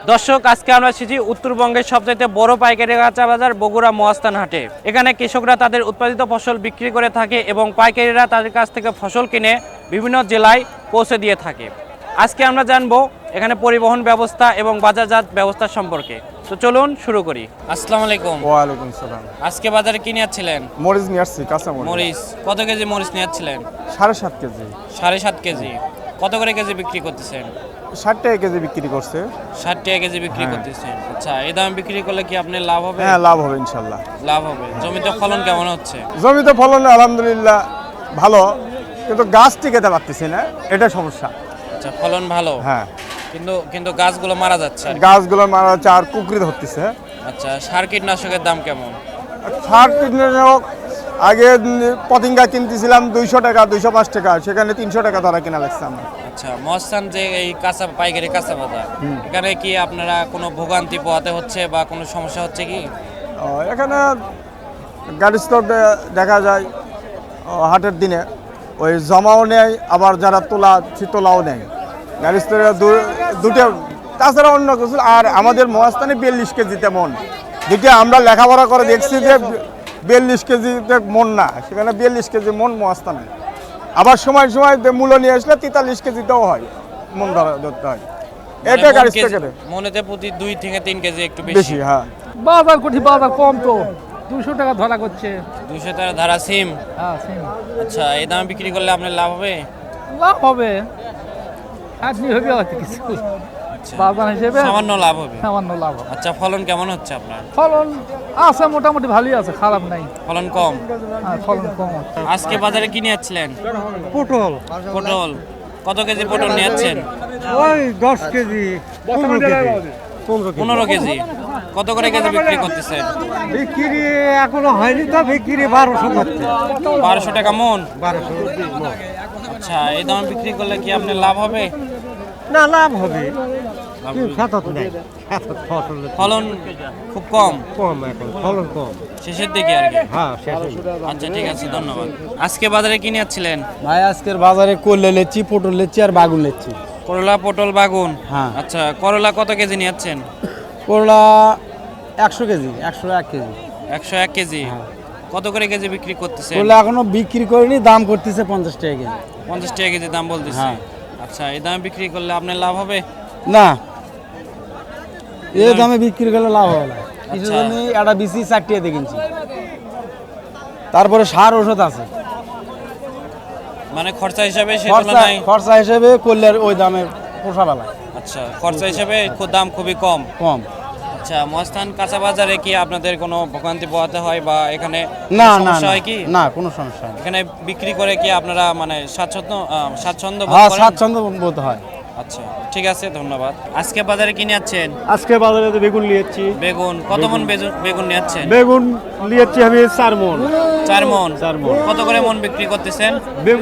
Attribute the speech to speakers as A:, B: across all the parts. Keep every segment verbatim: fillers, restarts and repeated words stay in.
A: দর্শক, আজকে আমরা এসেছি উত্তরবঙ্গের সবচাইতে বড় পাইকারি কাঁচা বাজার বগুড়া মহাস্থান হাটে। এখানে কৃষকরা তাদের উৎপাদিত ফসল বিক্রি করে থাকে এবং পাইকারিরা তাদের কাছ থেকে ফসল কিনে বিভিন্ন জেলায় পৌঁছে দিয়ে থাকে। আজকে আমরা জানবো এখানে পরিবহন ব্যবস্থা এবং বাজারজাত ব্যবস্থা সম্পর্কে। তো চলুন শুরু করি। আসসালামু আলাইকুম।
B: ওয়ালাইকুম সালাম।
A: আজকে বাজারে কি নিয়ে যাচ্ছিলেন?
B: মরিচ নিয়ে আসছি, কাঁচা মরিচ।
A: মরিচ কত কেজি মরিচ নিয়ে যাচ্ছিলেন?
B: সাড়ে সাত কেজি।
A: সাড়ে সাত কেজি। কত করে কেজি বিক্রি করতেছেন?
B: ষাট টাকা কেজি বিক্রি করছে।
A: ষাট টাকা কেজি বিক্রি
B: হ্যাঁ।
A: করতেছেন। আচ্ছা, এই দামে বিক্রি করলে কি আপনার লাভ হবে?
B: হ্যাঁ, লাভ হবে ইনশাল্লাহ।
A: লাভ হবে। জমিতে ফলন কেমন হচ্ছে?
B: জমিতে ফলন আলহামদুলিল্লাহ ভালো, কিন্তু গাছ টিকাতে পারতেছি না, এটা সমস্যা।
A: আচ্ছা, ফলন ভালো।
B: হ্যাঁ,
A: কিন্তু কিন্তু গাছগুলো মারা যাচ্ছে আর কি।
B: গাছগুলো মারা যাচ্ছে আর কুকরিতে হচ্ছে।
A: আচ্ছা, সার কীটনাশকের দাম কেমন?
B: সার কীটনাশক আগে পতিঙ্গা কিনতেছিলাম দুইশো টাকা দুইশো পাঁচ টাকা, সেখানে তিনশো টাকা ধরা কিনা লাগছে আমার।
A: আচ্ছা, মহাস্থান যে এই কাঁচা পাইকারি কাঁচা বাজার, এখানে কি আপনারা কোনো ভোগান্তি পোহাতে হচ্ছে বা কোনো সমস্যা হচ্ছে কি?
B: ও, এখানে গাড়ি স্টক দেখা যায় ও, হাটের দিনে ওই জমাও নেয়, আবার যারা তোলা সে তোলাও নেয় গাড়ি স্টোরে দুটো। তাছাড়া অন্য কিছু আর আমাদের মহাস্থানে বিয়াল্লিশ কেজিতে মন, যেটা আমরা লেখাপড়া করে দেখছি যে বিয়াল্লিশ কেজিতে মন না, সেখানে বিয়াল্লিশ কেজি মন মহাস্থানে। আবার সময় সময় মূল্য নিয়ে আসলে তেতাল্লিশ কেজিতেও হয়, মন ধরা ধরতে হয়। এটা গাড়ি স্টোরে
A: মনেতে প্রতি দুই থেকে তিন কেজি একটু
B: বেশি।
A: বেশি।
B: হ্যাঁ,
C: বাজার কোটি বাজার কম তো দুশো টাকা ধরা করছে।
A: দুইশো টাকা ধারা সিম।
C: হ্যাঁ সিম।
A: আচ্ছা, এই দামে বিক্রি করলে আপনার লাভ হবে?
C: লাভ হবে, খাটনি হবে হয়তো কিছু,
A: আচ্ছা,
C: বাজার হিসেবে
A: সামান্য লাভ হবে।
C: সামান্য লাভ হবে।
A: আচ্ছা, ফলন কেমন হচ্ছে আপনার?
C: ফলন আছে মোটামুটি ভালোই আছে, খারাপ নাই।
A: ফলন কম।
C: হ্যাঁ, ফলন কম হচ্ছে।
A: আজকে বাজারে কি নিয়ে যাচ্ছিলেন?
D: পটল
A: পটল কত কেজি পটল নিয়ে যাচ্ছেন?
D: ওই দশ কেজি পনেরো কেজি পনেরো কেজি
A: পনেরো কেজি। কত করে কেজি বিক্রি করতেছেন?
D: বিক্রি এখনো হয়নি, তো বিক্রি বারোশো করছে।
A: বারোশো টাকা মন।
D: বারোশো
A: আচ্ছা, এই দামে বিক্রি করলে কি আপনার লাভ হবে?
D: না, লাভ হবে,
A: লাভ
D: কিন্তু
A: হবে।
D: সাতত নেই, সাতত ফসল
A: ফলন খুব কম,
D: কম, এখন ফলন কম।
A: শেষের দিকে আর কি।
D: হ্যাঁ, শেষ।
A: আচ্ছা, ঠিক আছে, ধন্যবাদ। আজকে বাজারে কি নিয়ে যাচ্ছিলেন?
E: ভাই আজকের বাজারে করলে লেচ্ছি, পটল লেচ্ছি আর বাগুন লেচ্ছি।
A: করলা, পটল, বাগুন।
E: হ্যাঁ।
A: আচ্ছা, করলা কত কেজি নিয়ে যাচ্ছেন?
E: করলা একশো কেজি, একশো এক কেজি।
A: একশো এক কেজি।
E: হ্যাঁ।
A: কত করে কেজি বিক্রি করতেছেন?
E: করলা এখনো বিক্রি করিনি, দাম করতেছে পঞ্চাশ টাকা কেজি।
A: পঞ্চাশ টাকা কেজি দাম বলতেছে।
E: হ্যাঁ।
A: আচ্ছা, এই দামে বিক্রি করলে আপনার লাভ হবে?
E: না, এই দামে বিক্রি করলে লাভ হবে না। কিছু
A: আচ্ছা।
E: জমি একটা বিসি চারটিয়ে কিনছি, তারপরে সার ওষুধ আছে,
A: মানে খরচা হিসাবে সেই
E: খরচা
A: তুলনায়।
E: খরচা হিসেবে করলে ওই দামে পোষা বেলা
A: আচ্ছা, খরচা হিসাবে খুব দাম খুবই কম।
E: কম।
A: আচ্ছা, মহাস্থান কাঁচা বাজারে কি আপনাদের কোনো ভোগান্তি পোহাতে হয় বা এখানে
E: না
A: কোনো
E: না
A: সমস্যা
E: না,
A: হয় কি?
E: না কোনো সমস্যা নেই।
A: এখানে বিক্রি করে কি আপনারা মানে স্বাচ্ছন্দ্য আহ, স্বাচ্ছন্দ্য বোধ
E: হ্যাঁ,
A: করেন?
E: স্বাচ্ছন্দ্য বোধ হয়।
A: আচ্ছা, ঠিক আছে, ধন্যবাদ। আজকে বাজারে কিনে যাচ্ছেন?
D: আজকে বাজারে তো বেগুন নিয়েছি।
A: বেগুন কত মন বেজু- বেগুন নিয়ে যাচ্ছেন?
D: বেগুন নিয়েছি আমি চার মন।
A: চার মন।
D: চার মণ।
A: কত করে মন বিক্রি করতেছেন?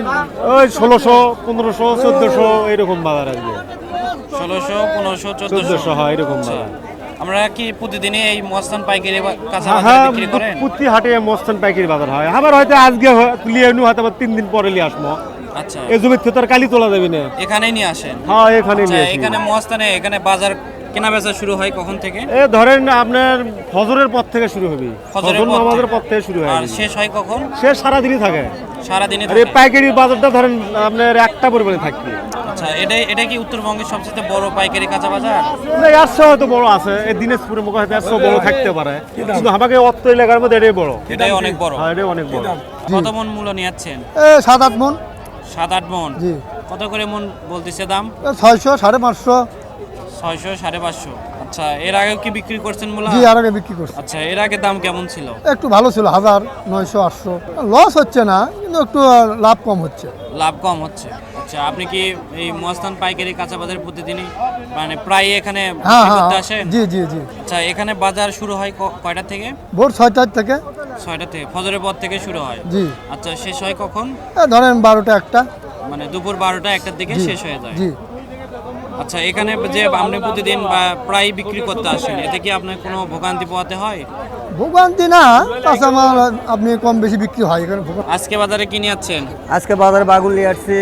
D: ওই ষোলোশো, পনেরোশো, চোদ্দশো এরকম বাজার আসবে।
A: ষোলোশো, পনেরোশো, চোদ্দশো।
D: চোদ্দশো, হ্যাঁ, এরকম
A: আচ্ছা,
D: বাজার।
A: আমরা কি প্রতিদিনই এই মহাস্থান পাইকারি বা কাঁচা
D: হ্যাঁ,
A: বাজারে বিক্রি করেন?
D: প্রতি হাটে মস্তান পাইকারি বাজার হয়। আবার হয়তো আজকে লিয়ে নু, হয়তো আবার তিন দিন পরে লিয়ে আসবো।
A: আচ্ছা,
D: এই জমির থেকে তো আর কালি তোলা যাবে না।
A: এখানেই নিয়ে আসেন?
D: হ্যাঁ, এখানে
A: আচ্ছা,
D: নিয়ে আসি।
A: এখানে মহাস্থানে এখানে বাজার কেনা বেচা শুরু হয় কখন থেকে?
D: এ ধরেন আপনার ফজরের পর থেকে শুরু হবে,
A: ফজরের
D: ফজর
A: পর
D: নামাজের
A: থেকে।
D: পর থেকে শুরু হয়।
A: আর শেষ হয় কখন?
D: সে সারাদিনই থাকে।
A: সারাদিনে
D: আর এই
A: থাকে?
D: পাইকারি বাজারটা ধরেন আপনার একটা পরিমাণে থাকবে।
A: আচ্ছা, এটা এটা কি উত্তরবঙ্গের সবচেয়ে বড় পাইকারি কাঁচা বাজার?
D: না, একশো হয়তো বড় আছে, এই দিনাজপুরের মুখে হয়তো একশো বড় থাকতে পারে, কিন্তু আমাকে অত্র এলাকার মধ্যে এটাই বড়।
A: এটাই অনেক বড়।
D: হ্যাঁ, এটাই অনেক বড়।
A: কত মন মূল্য নিয়ে যাচ্ছেন?
B: সাত আট মন।
A: সাত আট মন।
B: জি।
A: কত করে মন বলতেছে দাম?
B: ছয়শো সাড়ে পাঁচশো।
A: ছয়শো, সাড়ে পাঁচশো। আচ্ছা, এর আগেও কি বিক্রি করছেন মূলা?
B: জি, আর আগে বিক্রি করছে,
A: আচ্ছা, এর আগে দাম কেমন ছিল?
B: একটু ভালো ছিল, হাজার নয়শো আটশো। লস হচ্ছে না, কিন্তু একটু লাভ কম হচ্ছে।
A: লাভ কম হচ্ছে। আচ্ছা, আপনি কি এই মহাস্থান পাইকারি কাঁচা বাজার প্রতিদিনই মানে প্রায় এখানে
B: হ্যাঁ
A: বিক্রি
B: হ্যাঁ,
A: করতে আসেন?
B: জি জি জি।
A: আচ্ছা, এখানে বাজার শুরু হয় ক- কয়টা থেকে?
B: ভোর ছয়টার থেকে।
A: ছয়টা থেকে, ফজরের পর থেকে শুরু হয়?
B: জি।
A: আচ্ছা, শেষ হয় কখন?
B: এ ধরেন বারোটা একটা।
A: মানে দুপুর বারোটা একটার দিকে
B: জি,
A: শেষ হয়ে যায়?
B: জি।
A: আচ্ছা, এখানে যে আপনি প্রতিদিন বা প্রায় বিক্রি করতে আসেন, এতে কি আপনার কোনো ভোগান্তি পোহাতে হয়?
B: ভোগান্তি না, কাঁচামাল আপনি কম বেশি বিক্রি হয় এখানে। ভোগান্তি
A: আজকে বাজারে কিনে যাচ্ছেন?
F: আজকে বাজারে বাগুন নিয়ে আসছি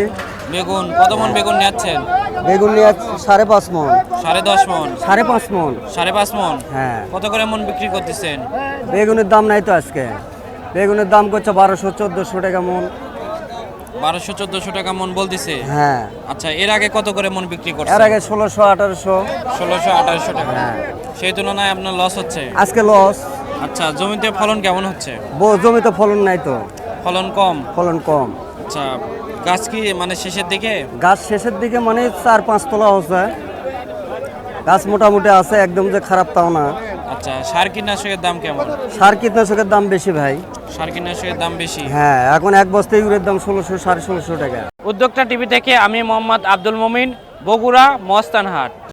A: বেগুন কত মন বেগুন নিচ্ছেন?
E: বেগুন নিয়ে সাড়ে পাঁচ মন
A: সাড়ে দশ মন,
E: সাড়ে পাঁচ মন
A: সাড়ে পাঁচ মন।
E: হ্যাঁ
A: কত করে মন বিক্রি করতেছেন?
E: বেগুনের দাম নাই তো আজকে, বেগুনের দাম করছে বারোশো চোদ্দোশো টাকা মন।
A: বারোশো চোদ্দশো টাকা মন বলতেছে।
E: হ্যাঁ
A: আচ্ছা, এর আগে কত করে মন বিক্রি
E: এর
A: করছেন?
E: আগে ষোলোশো আঠারোশো।
A: ষোলোশো আঠারোশো টাকা।
E: হ্যাঁ
A: সেই তুলনায় আপনার লস হচ্ছে।
E: আজকে লস।
A: আচ্ছা, জমিতে ফলন কেমন হচ্ছে?
E: জমিতে ফলন নাই তো,
A: ফলন কম।
E: ফলন কম।
A: আচ্ছা, গাছ কি মানে শেষের দিকে?
E: গাছ শেষের দিকে মানে চার পাঁচ তলা হচ্ছে, গাছ মোটামুটি আছে, একদম যে খারাপ তাও না।
A: আচ্ছা, সার কীটনাশকের দাম কেমন?
E: সার কীটনাশকের দাম বেশি ভাই।
A: সার কীটনাশকের দাম বেশি।
E: হ্যাঁ এখন এক বস্তা ইউরিয়ার দাম ষোলোশো সাড়ে ষোলোশো টাকা।
A: উদ্যোক্তা টিভি থেকে আমি মোহাম্মদ আব্দুল মমিন, বগুড়া মস্তানহাট।